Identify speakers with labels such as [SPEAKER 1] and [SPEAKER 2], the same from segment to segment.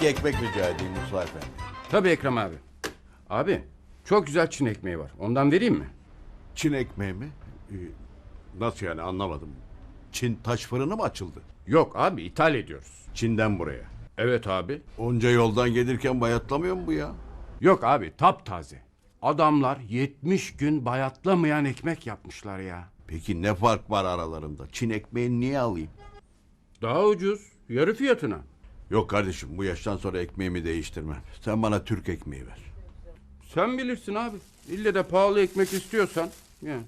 [SPEAKER 1] 2 ekmek rica edeyim Musa Efendi.
[SPEAKER 2] Tabii Ekrem abi. Abi çok güzel Çin ekmeği var. Ondan vereyim mi?
[SPEAKER 1] Çin ekmeği mi? Nasıl yani, anlamadım. Çin taş fırını mı açıldı?
[SPEAKER 2] Yok abi, ithal ediyoruz.
[SPEAKER 1] Çin'den buraya.
[SPEAKER 2] Evet abi.
[SPEAKER 1] Onca yoldan gelirken bayatlamıyor mu bu ya?
[SPEAKER 2] Yok abi, taptaze. Adamlar 70 gün bayatlamayan ekmek yapmışlar ya.
[SPEAKER 1] Peki ne fark var aralarında? Çin ekmeğini niye alayım?
[SPEAKER 2] Daha ucuz. Yarı fiyatına.
[SPEAKER 1] Yok kardeşim, bu yaştan sonra ekmeğimi değiştirmem. Sen bana Türk ekmeği ver.
[SPEAKER 2] Sen bilirsin abi. İlle de pahalı ekmek istiyorsan. Yani.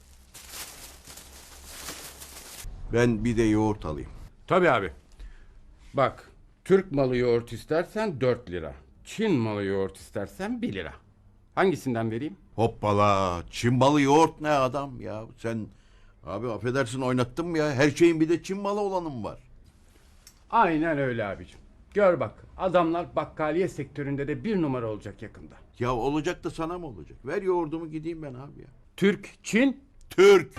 [SPEAKER 1] Ben bir de yoğurt alayım.
[SPEAKER 2] Tabii abi. Bak, Türk malı yoğurt istersen 4 lira. Çin malı yoğurt istersen 1 lira. Hangisinden vereyim?
[SPEAKER 1] Hoppala, Çin malı yoğurt ne adam ya? Sen abi affedersin, oynattın mı ya? Her şeyin bir de Çin malı olanı mı var?
[SPEAKER 2] Aynen öyle abicim. Gör bak, adamlar bakkaliye sektöründe de 1 numara olacak yakında.
[SPEAKER 1] Ya olacak da sana mı olacak? Ver yoğurdumu gideyim ben abi ya.
[SPEAKER 2] Türk, Çin.
[SPEAKER 1] Türk.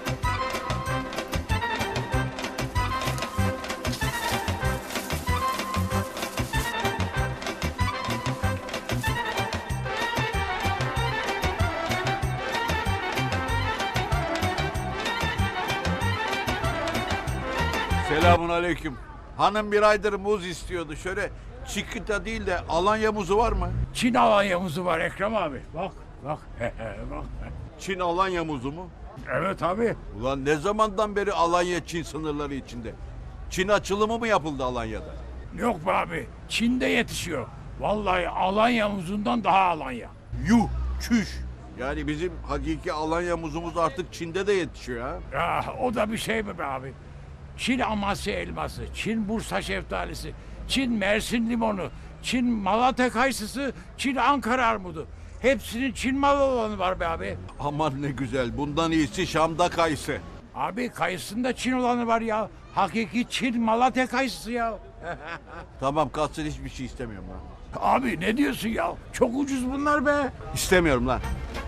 [SPEAKER 1] Selamun aleyküm. Hanım bir aydır muz istiyordu. Şöyle Çikita değil de Alanya muzu var mı?
[SPEAKER 3] Çin Alanya muzu var Ekrem abi. Bak, bak, bak.
[SPEAKER 1] Çin Alanya muzu mu?
[SPEAKER 3] Evet abi.
[SPEAKER 1] Ulan ne zamandan beri Alanya Çin sınırları içinde? Çin açılımı mı yapıldı Alanya'da?
[SPEAKER 3] Yok be abi. Çin'de yetişiyor. Vallahi Alanya muzundan daha Alanya.
[SPEAKER 1] Yuh, çüş. Yani bizim hakiki Alanya muzumuz artık Çin'de de yetişiyor ha.
[SPEAKER 3] Ya o da bir şey mi be abi? Çin Amasya elması, Çin Bursa şeftalisi, Çin Mersin limonu, Çin Malatya kayısısı, Çin Ankara armudu. Hepsinin Çin malı olanı var be abi.
[SPEAKER 1] Aman ne güzel. Bundan iyisi Şam'da kayısı.
[SPEAKER 3] Abi kayısında Çin olanı var ya. Hakiki Çin Malatya kayısısı ya.
[SPEAKER 1] Tamam, kalsın, hiçbir şey istemiyorum lan.
[SPEAKER 3] Abi ne diyorsun ya? Çok ucuz bunlar be.
[SPEAKER 1] İstemiyorum lan.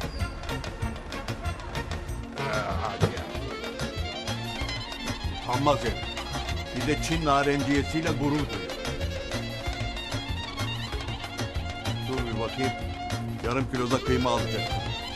[SPEAKER 1] Utanmaz herif. Bir de Çin narenciyesiyle gurur duyuyor. Dur bir bakayım. Yarım kilo da kıyma alacaktım.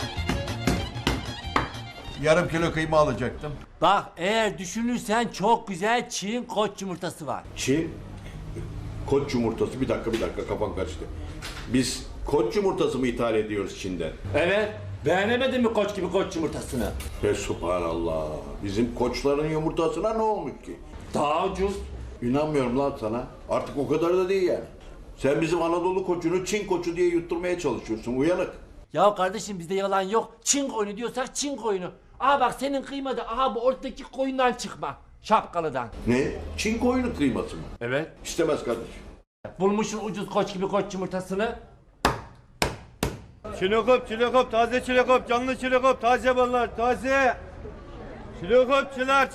[SPEAKER 1] Yarım kilo kıyma alacaktım.
[SPEAKER 4] Bak eğer düşünürsen çok güzel Çin koç yumurtası var.
[SPEAKER 1] Çin koç yumurtası. Bir dakika, kafam karıştı. Biz koç yumurtası mı ithal ediyoruz Çin'den?
[SPEAKER 4] Evet. Beğenemedin mi koç gibi koç yumurtasını?
[SPEAKER 1] Subhanallah. Bizim koçların yumurtasına ne olmuş ki?
[SPEAKER 4] Daha ucuz.
[SPEAKER 1] İnanmıyorum lan sana. Artık o kadar da değil yani. Sen bizim Anadolu koçunu Çin koçu diye yutturmaya çalışıyorsun. Uyanık.
[SPEAKER 4] Ya kardeşim bizde yalan yok. Çin koyunu diyorsak Çin koyunu. Aha bak senin kıyma da aha bu ortadaki koyundan çıkma. Şapkalıdan.
[SPEAKER 1] Ne? Çin koyunu kıyması mı?
[SPEAKER 4] Evet.
[SPEAKER 1] İstemez kardeşim.
[SPEAKER 4] Bulmuşsun ucuz koç gibi koç yumurtasını.
[SPEAKER 5] Çilekop, taze çilekop, canlı çilekop, taze ballar, taze. Çilekopçular.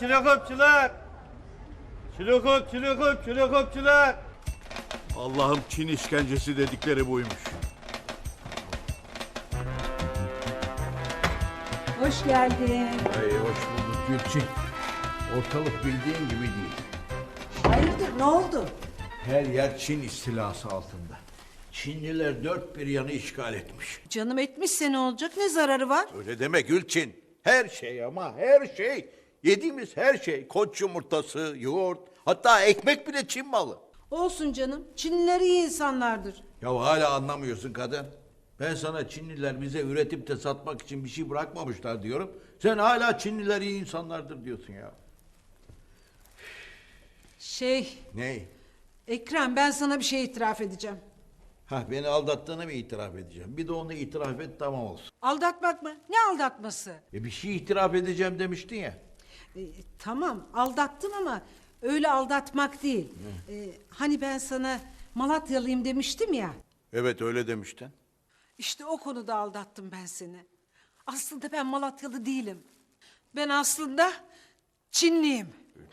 [SPEAKER 5] Çilekopçular.
[SPEAKER 1] Allah'ım, Çin işkencesi dedikleri buymuş.
[SPEAKER 6] Hoş geldin.
[SPEAKER 1] Hey, hoş bulduk Gülçin. Ortalık bildiğin gibi değil.
[SPEAKER 6] Hayırdır, ne oldu?
[SPEAKER 1] Her yer Çin istilası altında. Çinliler dört bir yanı işgal etmiş.
[SPEAKER 6] Canım etmişse ne olacak, ne zararı var?
[SPEAKER 1] Öyle deme Gülçin. Her şey, ama her şey. Yediğimiz her şey. Koç yumurtası, yoğurt, hatta ekmek bile Çin malı.
[SPEAKER 6] Olsun canım, Çinliler iyi insanlardır.
[SPEAKER 1] Ya hala anlamıyorsun kadın. Ben sana Çinliler bize üretip de satmak için bir şey bırakmamışlar diyorum. Sen hala Çinliler iyi insanlardır diyorsun ya. Ne?
[SPEAKER 6] Ekrem, ben sana bir şey itiraf edeceğim.
[SPEAKER 1] Beni aldattığını mı itiraf edeceğim? Bir de onu itiraf et, tamam olsun.
[SPEAKER 6] Aldatmak mı? Ne aldatması?
[SPEAKER 1] Bir şey itiraf edeceğim demiştin ya.
[SPEAKER 6] Tamam, aldattım ama öyle aldatmak değil. Hani ben sana Malatyalıyım demiştim ya.
[SPEAKER 1] Evet, öyle demiştin.
[SPEAKER 6] İşte o konuda aldattım ben seni. Aslında ben Malatyalı değilim. Ben aslında Çinliyim.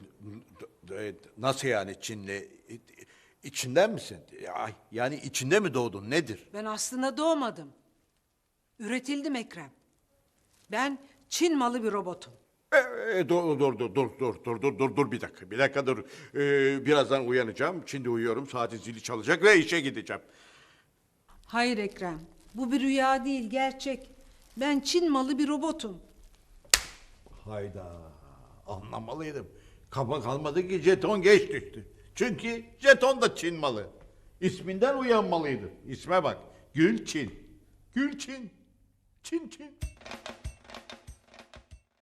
[SPEAKER 1] Nasıl yani Çinli? İçinden misin? Yani içinde mi doğdun? Nedir?
[SPEAKER 6] Ben aslında doğmadım. Üretildim Ekrem. Ben Çin malı bir robotum.
[SPEAKER 1] Dur bir dakika dur. Birazdan uyanacağım. Şimdi uyuyorum. Saatin zili çalacak ve işe gideceğim.
[SPEAKER 6] Hayır Ekrem, bu bir rüya değil, gerçek. Ben Çin malı bir robotum.
[SPEAKER 1] Hayda. Anlamalıydım. Kafa kalmadı ki jeton geç düştü. Çünkü jeton da Çin malı. İsminden uyanmalıydım. İsme bak. Gülçin. Gülçin. Çin Çin.